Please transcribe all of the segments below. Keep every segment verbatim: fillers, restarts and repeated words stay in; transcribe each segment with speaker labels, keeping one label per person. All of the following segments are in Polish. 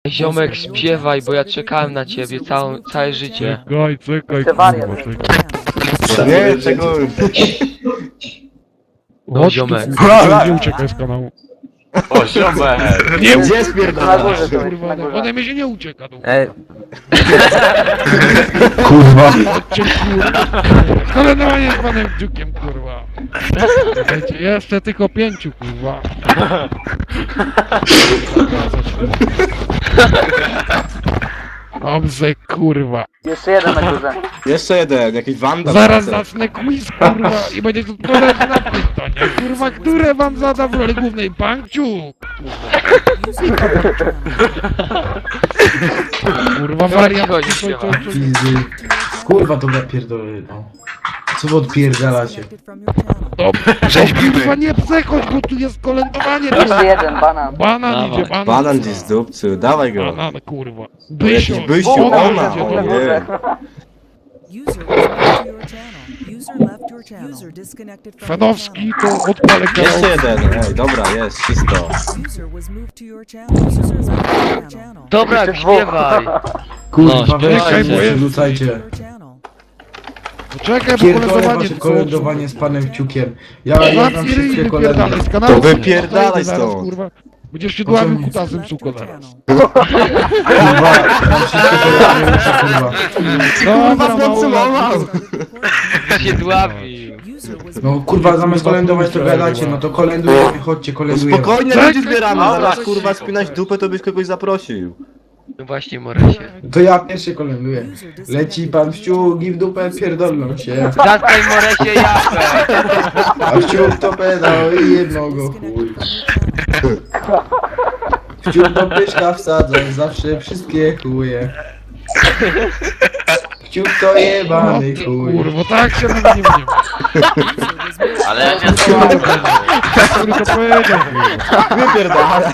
Speaker 1: Ziomek, śpiewaj, bo ja czekałem na ciebie całą, całe życie.
Speaker 2: Czekaj, czekaj,
Speaker 3: Jeszcze wariat.
Speaker 2: kurwa, czekaj.
Speaker 4: Nie, czego...
Speaker 1: No,
Speaker 2: Chodź tu,
Speaker 1: ziomek.
Speaker 2: kurwa, nie uciekaj z kanału.
Speaker 5: O, ziomek!
Speaker 2: Nie
Speaker 4: Gdzie
Speaker 3: Na
Speaker 4: spierdala?
Speaker 3: górze to jest,
Speaker 2: kurwa,
Speaker 3: na
Speaker 2: no,
Speaker 3: górze.
Speaker 2: ode mnie się nie ucieka, tu.
Speaker 6: Ej,
Speaker 4: Kurwa.
Speaker 2: Chodźcie, kurwa. Kolenowanie z panem Dziukiem, kurwa. Słuchajcie, jeszcze tylko pięciu, kurwa. Dobrze, kurwa.
Speaker 3: Jeszcze jeden na górze.
Speaker 4: Jeszcze jeden, jakiś wanda.
Speaker 2: Zaraz zacznę quiz, kurwa, i będziecie odpowiadać na pytania. Kurwa, które wam zada w roli głównej Pankciu? Kurwa, wariant.
Speaker 1: chodź,
Speaker 2: co- co- co-
Speaker 7: Fizy. Kurwa to napierdolę, no. Co wy odpierdalacie?
Speaker 2: Dobrze, kurwa, nie przechodź, bo tu jest kolędowanie.
Speaker 3: Jeszcze jeden, banan.
Speaker 2: Banan
Speaker 1: Dawaj.
Speaker 2: idzie, banan.
Speaker 4: Banan gdzieś z dupcy, dawaj go.
Speaker 2: Banan, kurwa.
Speaker 4: Jakiś
Speaker 2: Bysio,
Speaker 4: byściu,
Speaker 2: ona
Speaker 4: ona,
Speaker 2: idzie,
Speaker 4: o
Speaker 2: dobra.
Speaker 4: nie.
Speaker 8: User was moved to your channel. User left your channel. User disconnected from your
Speaker 2: Fanowski, to odpalę
Speaker 4: Jeszcze
Speaker 2: kanał.
Speaker 4: jeden, ej, dobra, jest, czysto.
Speaker 8: channel. User was moved to your channel. User left your channel.
Speaker 1: Dobra,
Speaker 3: Jeszcze dwóch.
Speaker 1: śpiewaj.
Speaker 7: Kurwa,
Speaker 1: No,
Speaker 7: weźcie,
Speaker 2: czekaj, bo jest-
Speaker 7: rzucajcie.
Speaker 8: Your channel.
Speaker 2: Czekaj, bo
Speaker 7: Pierdolę
Speaker 2: kolędowanie
Speaker 7: wasze kolędowanie z panem Kciukiem. Ja, ja znam
Speaker 2: Zamknij ryj,
Speaker 7: wszystkie
Speaker 2: wypierdalaj
Speaker 7: kolendy.
Speaker 2: z kanału.
Speaker 4: To wypierdalaj
Speaker 2: Zaraz,
Speaker 4: stąd.
Speaker 2: kurwa. Będziesz siodławym
Speaker 7: Po co-
Speaker 2: kutasem
Speaker 8: Left
Speaker 2: suko
Speaker 8: your
Speaker 2: zaraz.
Speaker 8: channel.
Speaker 7: Kurwa, mam wszystkie kolendy, muszę, kurwa.
Speaker 2: Dobra, mało.
Speaker 1: Się dławił.
Speaker 8: User was
Speaker 7: No kurwa, zamiast kolędować to gadacie, no to kolędujemy, chodźcie, kolędujemy.
Speaker 4: Spokojnie,
Speaker 2: Czekaj,
Speaker 4: ludzi zbieramy,
Speaker 2: kurwa.
Speaker 4: zamiast kurwa spinać dupę, to byś kogoś zaprosił.
Speaker 1: No właśnie, Moresie.
Speaker 7: To ja pierwszy kolęduję. Leci pan Wciuk i w dupę pierdolną się.
Speaker 1: Zatkaj, Moresie, japę.
Speaker 7: A Wciuk to pedał i jedno go chuj. Wciuk do pyszka wsadzą, zawsze wszystkie chuje. Wciuk to jebany chuj.
Speaker 2: Kurwa, tak się mówi, nie wiem.
Speaker 5: Ale ja nie
Speaker 2: Który to powiedział, kurwa.
Speaker 4: Wypierdala.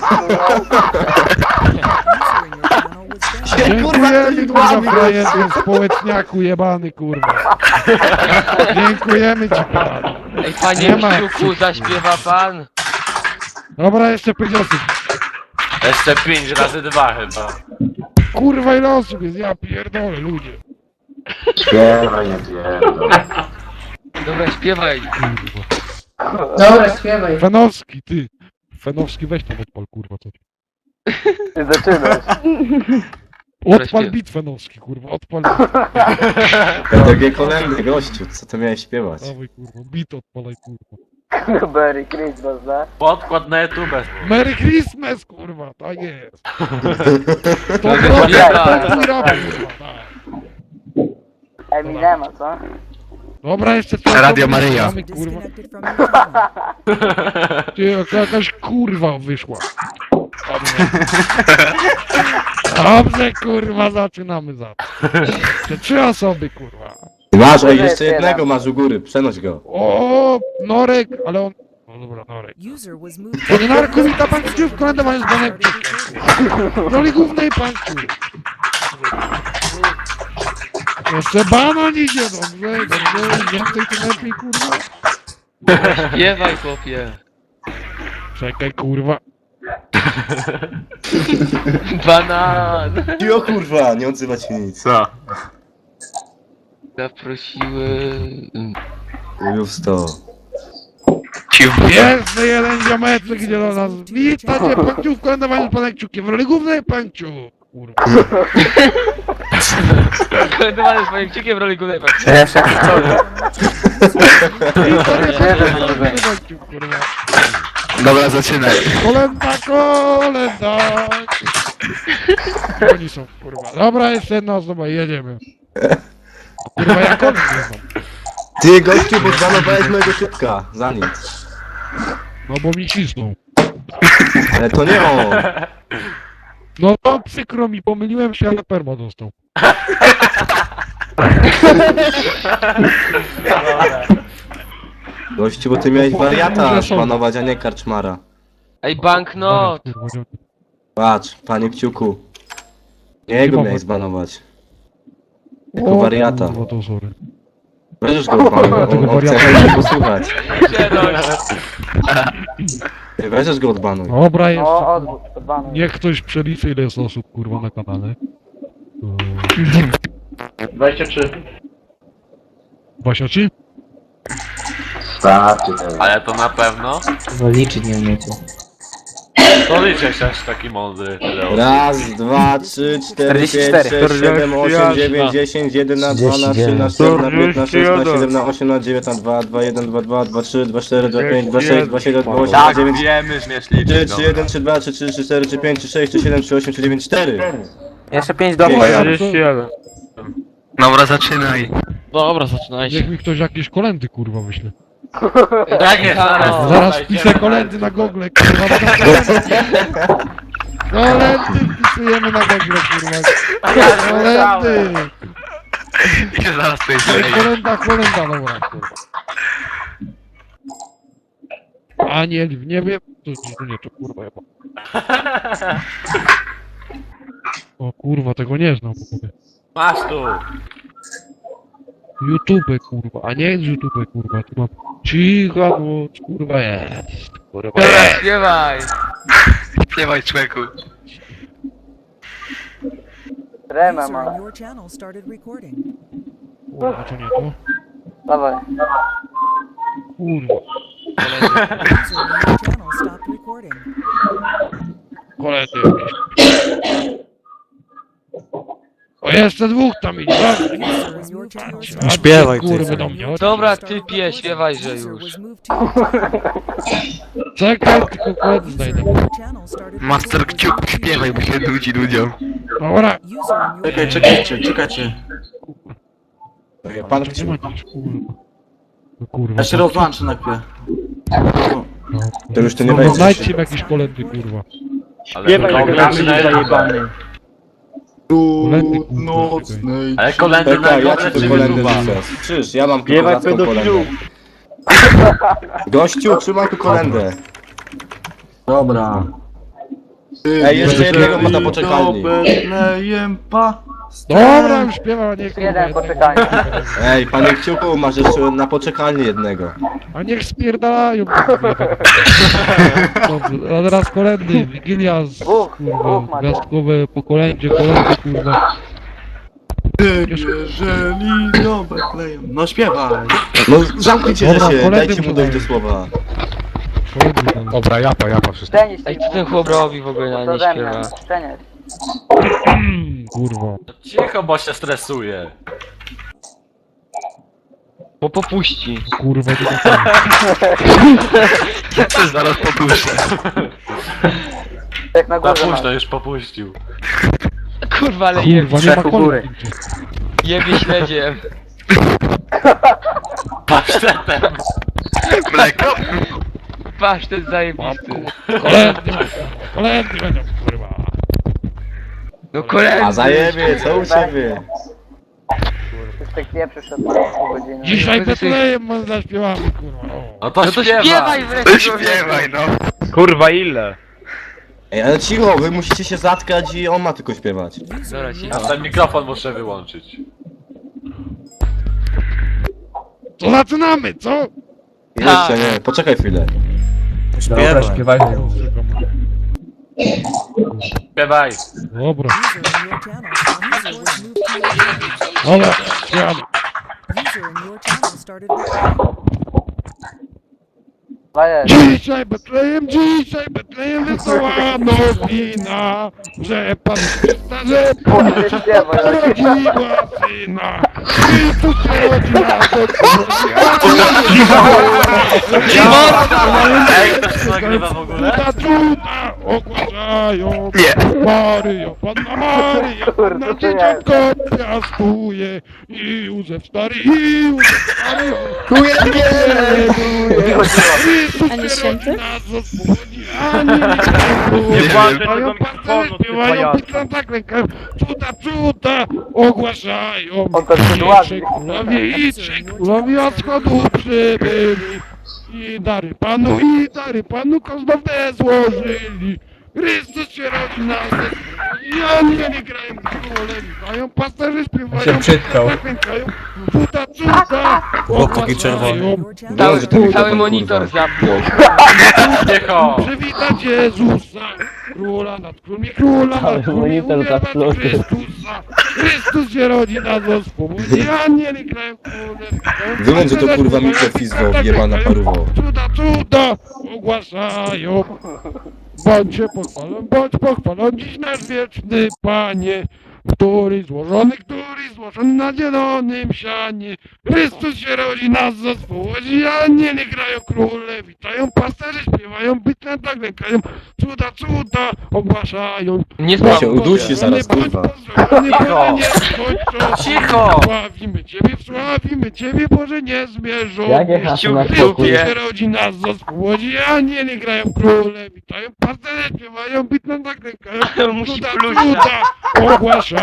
Speaker 8: user in your channel was banned.
Speaker 2: Dziękujemy, kurwa, frajerze, społeczniaku jebany, kurwa. Dziękujemy ci, pan.
Speaker 1: Ej, panie
Speaker 2: Nie ma.
Speaker 1: Kciuku, zaśpiewa pan?
Speaker 2: Dobra, jeszcze pięć osób.
Speaker 5: Jeszcze pięć razy dwa chyba.
Speaker 2: Kurwa, ile osób jest? Ja pierdolę, ludzie.
Speaker 1: Dobra, śpiewaj.
Speaker 9: Dobra, śpiewaj.
Speaker 2: Fenowski, ty. Fenowski, weź tam odpal, kurwa, co ty.
Speaker 3: Ty zaczynasz.
Speaker 2: Odpal bit Fenowski, kurwa, odpal.
Speaker 4: Takie kolendy, gościu, co ty miałeś śpiewać?
Speaker 2: Dawaj, kurwa, bit odpalaj, kurwa.
Speaker 3: Merry Christmas, no.
Speaker 5: Podkład na YouTube.
Speaker 2: Merry Christmas, kurwa, tak jest. To
Speaker 1: No,
Speaker 2: to
Speaker 1: śpiewaj.
Speaker 2: to mój rap, kurwa, tak.
Speaker 3: Eminema, co?
Speaker 2: Dobra, jeszcze co?
Speaker 6: Radio Maryja.
Speaker 2: Mamy, kurwa.
Speaker 8: Disconnected from your channel.
Speaker 2: Ty, jaka- jakaś kurwa wyszła. Dobrze, kurwa, zaczynamy za to. Jeszcze trzy osoby, kurwa.
Speaker 4: Masz, ej,
Speaker 3: Jeszcze
Speaker 4: jeszcze
Speaker 3: jeden.
Speaker 4: jednego masz u góry, przenoś go.
Speaker 2: O, Norek, ale on... No dobra, Norek.
Speaker 8: User was moved
Speaker 2: Panie Norku, wita pan Kciuk w kolędowaniu z panem Kciukiem. W roli głównej pan Kciuk. Jeszcze banan idzie, dobrze, dobrze, więcej tym lepiej, kurwa.
Speaker 1: Śpiewaj, chłopie.
Speaker 2: Czekaj, kurwa.
Speaker 1: Banan.
Speaker 4: I o kurwa, nie odzywa się nic.
Speaker 5: Co?
Speaker 1: Zaprosiły...
Speaker 4: Już sto.
Speaker 2: Jeszcze jeden ziomeczek idzie do nas. Witajcie, pan Kciuk w kolędowaniu z panem Kciukiem. W roli głównej pan Kciuk. Kurwa.
Speaker 1: Kolędowany z moim Kciukiem w roli głównej pan.
Speaker 6: jeszcze
Speaker 2: Witajcie, pan Kciuk w kolędowaniu z panem Kciukiem, kurwa.
Speaker 6: Dobra, zaczynaj.
Speaker 2: Kolenda, kolenda. Oni są, kurwa. Dobra, jeszcze jedna osoba, jedziemy. Kurwa, jak on nie
Speaker 4: Ty gościu, bo zbanowałeś mojego typka, za nic.
Speaker 2: No bo mi cisną.
Speaker 4: Ale to nie on.
Speaker 2: No to przykro mi, pomyliłem się, ale perma dostał.
Speaker 4: Gościu, bo ty miałeś wariata szpanować, a nie karczmara.
Speaker 1: Ej, banknot.
Speaker 2: Kurwa, nie-
Speaker 4: Patrz, panie Kciuku. Nie jego miałeś zbanować. Jako
Speaker 2: O,
Speaker 4: wariata.
Speaker 2: Kurwa, to sorry.
Speaker 4: Będziesz go panu, on, on chce
Speaker 2: wariata.
Speaker 4: posłuchać. Ty weźesz go odbanuj.
Speaker 2: Dobra, jeszcze.
Speaker 3: No, odwód, odbanuj.
Speaker 2: Niech ktoś przeliczy ile jest osób kurwa na kanale.
Speaker 5: dwadzieścia trzy.
Speaker 2: Wasioci?
Speaker 4: Starczy teraz.
Speaker 5: Ale to na pewno?
Speaker 7: Bo liczyć nie umiecie.
Speaker 5: To liczę się aż taki mądry. tyle osób.
Speaker 4: Raz, dwa, trzy, cztery, pięć,
Speaker 3: czterdzieści cztery.
Speaker 4: sześć, siedem, osiem, dziewięć, dziesięć, jeden, dwa, trzynaście, czternaście, piętnaście, szesnaście, siedemnaście, osiemnaście, dziewiętnaście, dwa, dwa, jeden, dwa, dwa, dwa, trzy, dwa, cztery, dwa, pięć, dwa, sześć, dwa, siedem, dwa, osiem, dwa,
Speaker 5: Tak,
Speaker 4: dziewięć,
Speaker 5: wiemy, śmiesz
Speaker 4: trzy,
Speaker 5: liczyć.
Speaker 4: trzy, jeden, trzy, dwa, trzy, trzy, trzy, cztery, trzy, pięć, trzy, sześć, trzy, siedem, trzy, osiem, trzy, dziewięć, cztery.
Speaker 3: Jeszcze pięć do
Speaker 6: Dobra, zaczynaj.
Speaker 1: Dobra, zaczynajcie.
Speaker 2: Niech mi ktoś jakieś kolendy kurwa wyśle.
Speaker 5: Tak jest, zaraz.
Speaker 2: Zaraz wpiszę kolendy na Google, kurwa. Kolendy wpisujemy na Google, kurwa. Kolendy!
Speaker 6: I zaraz tutaj
Speaker 2: Ej,
Speaker 6: zleję.
Speaker 2: kolenda, kolenda, dobra, kurwa. Aniel w niebie? To, to nie, to kurwa jeba. O kurwa, tego nie znam w ogóle.
Speaker 5: Masz tu.
Speaker 2: YouTube, kurwa, a nie jest YouTube, kurwa, tu mam cicha noc, kurwa jest, kurwa
Speaker 1: Dobra,
Speaker 2: jest.
Speaker 1: śpiewaj.
Speaker 6: Śpiewaj, człowieku.
Speaker 3: Remę
Speaker 8: User
Speaker 3: ma.
Speaker 8: in your channel started recording.
Speaker 2: Kurwa, to nie to,
Speaker 3: Dawaj.
Speaker 2: kurwa,
Speaker 8: User in your channel stopped recording.
Speaker 2: koledzy jakieś. O, jeszcze dwóch tam idzie, dobra, nie,
Speaker 8: User in your channel
Speaker 2: a
Speaker 8: started
Speaker 2: śpiewaj kurwy do mnie,
Speaker 1: Dobra, ty pie, śpiewajże
Speaker 8: User
Speaker 1: już.
Speaker 8: was moved to your channel.
Speaker 2: czekaj, tylko koledzy
Speaker 8: User
Speaker 2: znajdę.
Speaker 8: in your channel started
Speaker 6: Master
Speaker 8: recording.
Speaker 6: Kciuk, śpiewaj, bo się nudzi ludziom.
Speaker 2: Dobra,
Speaker 8: User in your
Speaker 10: Czekaj,
Speaker 8: channel
Speaker 10: czekajcie, czekajcie.
Speaker 4: Pan
Speaker 2: gdzie masz, kurwa, no kurwa,
Speaker 10: Ja się rozłączę na chwilę.
Speaker 2: no,
Speaker 4: To już tu nie
Speaker 2: no,
Speaker 4: wejdziesz.
Speaker 2: znajdźcie mi jakieś kolendy, kurwa.
Speaker 5: Ale kolendy
Speaker 2: Kolendy, kurwa,
Speaker 10: Nocnej.
Speaker 5: Ale kolendy na
Speaker 4: Czekaj, ja
Speaker 5: górze
Speaker 4: ci
Speaker 5: czy
Speaker 4: tu kolendę
Speaker 5: YouTube'a?
Speaker 4: rzucę. Krzyż, ja mam tu kozacką kolendę. Gościu, trzymaj tu kolendę.
Speaker 10: Dobra.
Speaker 4: Ej, jeszcze jednego ma na poczekalni.
Speaker 10: Betlejem pa.
Speaker 2: Dobra, już śpiewam, a nie kurwa.
Speaker 3: Jeden
Speaker 2: jednego.
Speaker 3: poczekaj.
Speaker 4: Ej, panie Kciuku, masz jeszcze na poczekalni jednego.
Speaker 2: A niech spierdalają. Dobrze, a teraz kolendy, Wigilia z
Speaker 3: Dwóch, dwóch
Speaker 2: kurwa,
Speaker 3: macie.
Speaker 2: gwiazdkowe po kolędzie, kolendy kurwa.
Speaker 10: Jeżeli do Betlejem. No śpiewaj.
Speaker 4: No zamknijcie
Speaker 2: Dobra,
Speaker 4: się,
Speaker 2: kolendy
Speaker 4: dajcie mu
Speaker 2: muszę
Speaker 4: dojść do
Speaker 2: dać.
Speaker 4: słowa.
Speaker 2: Kolendy tam.
Speaker 6: Dobra, japa, japa wszystko.
Speaker 3: Szczenić
Speaker 1: Ej, co ten chłop robi w ogóle,
Speaker 3: To
Speaker 1: nie
Speaker 3: ze
Speaker 1: śpiewa.
Speaker 3: mnie. Szczeniać.
Speaker 2: Kurwa.
Speaker 5: Cicho, bo się stresuje.
Speaker 1: Bo popuści.
Speaker 2: Kurwa, nie tak.
Speaker 6: Ja też zaraz popuszczę.
Speaker 3: Jak na
Speaker 5: Za
Speaker 3: górze
Speaker 5: późno,
Speaker 3: masz.
Speaker 5: już popuścił.
Speaker 1: Kurwa, ale jebie,
Speaker 2: Kurwa, nie ma kolendy.
Speaker 1: jebie śledziem.
Speaker 5: Pasztetem.
Speaker 6: Mleko?
Speaker 1: Patrz, ten zajebisty.
Speaker 2: Kolendy, kolendy będą, kurwa.
Speaker 1: No koledzy.
Speaker 4: A zajebie, co u ciebie?
Speaker 3: Już tak nie przyszedł pół godziny.
Speaker 2: Dzisiaj
Speaker 1: Będę sobie-
Speaker 2: Betlejem może zaśpiewamy, kurwa. O.
Speaker 5: No to,
Speaker 1: No to
Speaker 5: śpiewaj.
Speaker 1: śpiewaj
Speaker 6: To
Speaker 1: wreszcie.
Speaker 6: śpiewaj, no.
Speaker 5: Kurwa, ile?
Speaker 4: Ej, ale cicho, wy musicie się zatkać i on ma tylko śpiewać.
Speaker 1: Dobra,
Speaker 5: Ja
Speaker 1: cicho.
Speaker 5: ten mikrofon muszę wyłączyć.
Speaker 2: To zaczynamy, co?
Speaker 4: Jeszcze nie, poczekaj chwilę.
Speaker 10: Śpiewaj. Śpiewaj.
Speaker 5: Śpiewaj.
Speaker 2: Dobra,
Speaker 8: User in your channel. User was moved to your channel.
Speaker 2: dobra, śpiewamy.
Speaker 8: User in your channel started recording.
Speaker 3: Daję.
Speaker 2: Dzisiaj Betlejem, dzisiaj Betlejem wesoła nowina, że Pan Chrysta, że Pan
Speaker 3: Nie śpiewaj.
Speaker 2: urodziła syna. Chrystus rodzi nas od
Speaker 5: Ej, ktoś to nagrywa w ogóle?
Speaker 2: Cuda, cuda ogłaszają.
Speaker 6: Nie.
Speaker 2: Maryjo, Panna Maryja,
Speaker 3: Kurde,
Speaker 2: Panna
Speaker 3: to
Speaker 2: dzieciątko piastuje. I Józef stary, i Józef stary. Chrystus
Speaker 9: A nie
Speaker 2: rodzi
Speaker 9: święty?
Speaker 2: nas od spółni. Ani
Speaker 6: Nie włączaj
Speaker 2: Mają pancerze, śpiewają, piszą tak rękę. Cuda, cuda ogłaszają.
Speaker 3: On to
Speaker 2: I
Speaker 3: przydławi.
Speaker 2: trzej królowie, i trzej królowie od wschodu przybyli. I dary panu, i dary panu kosztowne złożyli. Chrystus się rodzi na zespół. Ja nie grają króle, witają, pasterze śpiewają,
Speaker 7: Się przytkał.
Speaker 2: zaklękają, cuda, cuda,
Speaker 10: Chłopaki czerwone.
Speaker 2: ogłaszają.
Speaker 1: Cały,
Speaker 4: że to mi
Speaker 1: cały
Speaker 4: to,
Speaker 1: monitor
Speaker 4: kurwa.
Speaker 1: zapnął.
Speaker 5: Cicho!
Speaker 2: Przywitać Jezusa, króla nad królami, króla nad królami, uwierwać Chrystusa. Chrystus się rodzi na zespół. Ja nie grają króle, witają,
Speaker 4: Wyłącz, że to
Speaker 2: pasterze
Speaker 4: kurwa
Speaker 2: śpiewają,
Speaker 4: mikrofizwo, jebana paruwo.
Speaker 2: cuda, cuda, ogłaszają. Bądźcie pochwalony, bądź pochwalony dziś nasz wieczny Panie, który złożony, który złożony na zielonym sianie. Chrystus się rodzi, nas zespół, aniele grają, króle witają, pasterze śpiewają, bytne tak lękają, cuda, cuda ogłaszają.
Speaker 1: Nie
Speaker 4: Ja się
Speaker 1: spał.
Speaker 4: udusi zaraz, kurwa.
Speaker 5: Cicho! Cicho!
Speaker 2: Sławimy Ciebie, sławimy Ciebie, Boże niezmierzony.
Speaker 3: Jakie hasło na
Speaker 1: Ciuch,
Speaker 3: spokój?
Speaker 1: ciuch.
Speaker 2: Chrystus się rodzi, nas zespół, aniele grają, króle witają, pasterze śpiewają, bytne tak lękają,
Speaker 1: Musi
Speaker 2: cuda,
Speaker 1: pluć.
Speaker 2: cuda ogłaszają.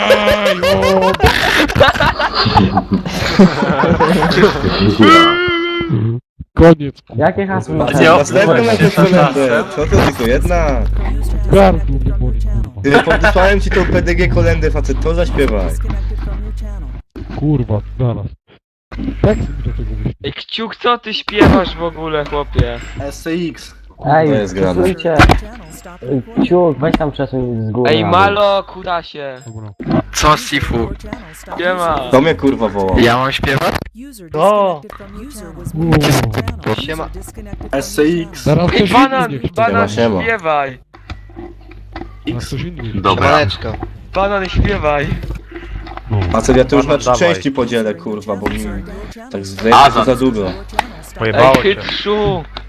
Speaker 2: Koniec.
Speaker 3: Jakie hasło na
Speaker 5: Nie,
Speaker 4: Następną jakąś kolendę. Co to tylko jedna?
Speaker 2: Gardło mnie boli, kurwa.
Speaker 4: Ty, podesłałem ci tą P D G kolendę, facet, to zaśpiewaj.
Speaker 8: Disconnected from your channel.
Speaker 2: Kurwa, zaraz. Tak mi do tego myśli.
Speaker 1: Ej, Kciuk, co ty śpiewasz w ogóle, chłopie?
Speaker 10: S C X.
Speaker 3: Ej,
Speaker 4: To jest grane.
Speaker 3: przesuńcie.
Speaker 8: Your channel stopped recording.
Speaker 3: Ciuk, weź tam przesuń z góry.
Speaker 1: Ej,
Speaker 3: na dół.
Speaker 1: Malo, kurasie.
Speaker 2: Dobra.
Speaker 6: Co, Sifu?
Speaker 8: Your channel stopped
Speaker 1: Siema.
Speaker 4: To mnie kurwa wołał.
Speaker 6: Ja mam śpiewać?
Speaker 8: User
Speaker 1: O.
Speaker 8: disconnected from your channel. User was moved to your channel. User
Speaker 6: Siema.
Speaker 8: disconnected from
Speaker 10: S C
Speaker 8: your
Speaker 10: X.
Speaker 2: Teraz
Speaker 1: Ej,
Speaker 2: ktoś inny
Speaker 1: banan,
Speaker 2: niech
Speaker 1: banan,
Speaker 4: Siema, siema.
Speaker 1: śpiewaj.
Speaker 2: Teraz ktoś inny niech
Speaker 5: Dobra.
Speaker 1: Banan, śpiewaj.
Speaker 4: Facet, ja to już na trzy
Speaker 5: Dawaj.
Speaker 4: części podzielę, kurwa, bo mi
Speaker 8: channel. User in your channel.
Speaker 4: tak zwykle to za długo.
Speaker 8: Your channel stopped
Speaker 1: Ej, chytrzu.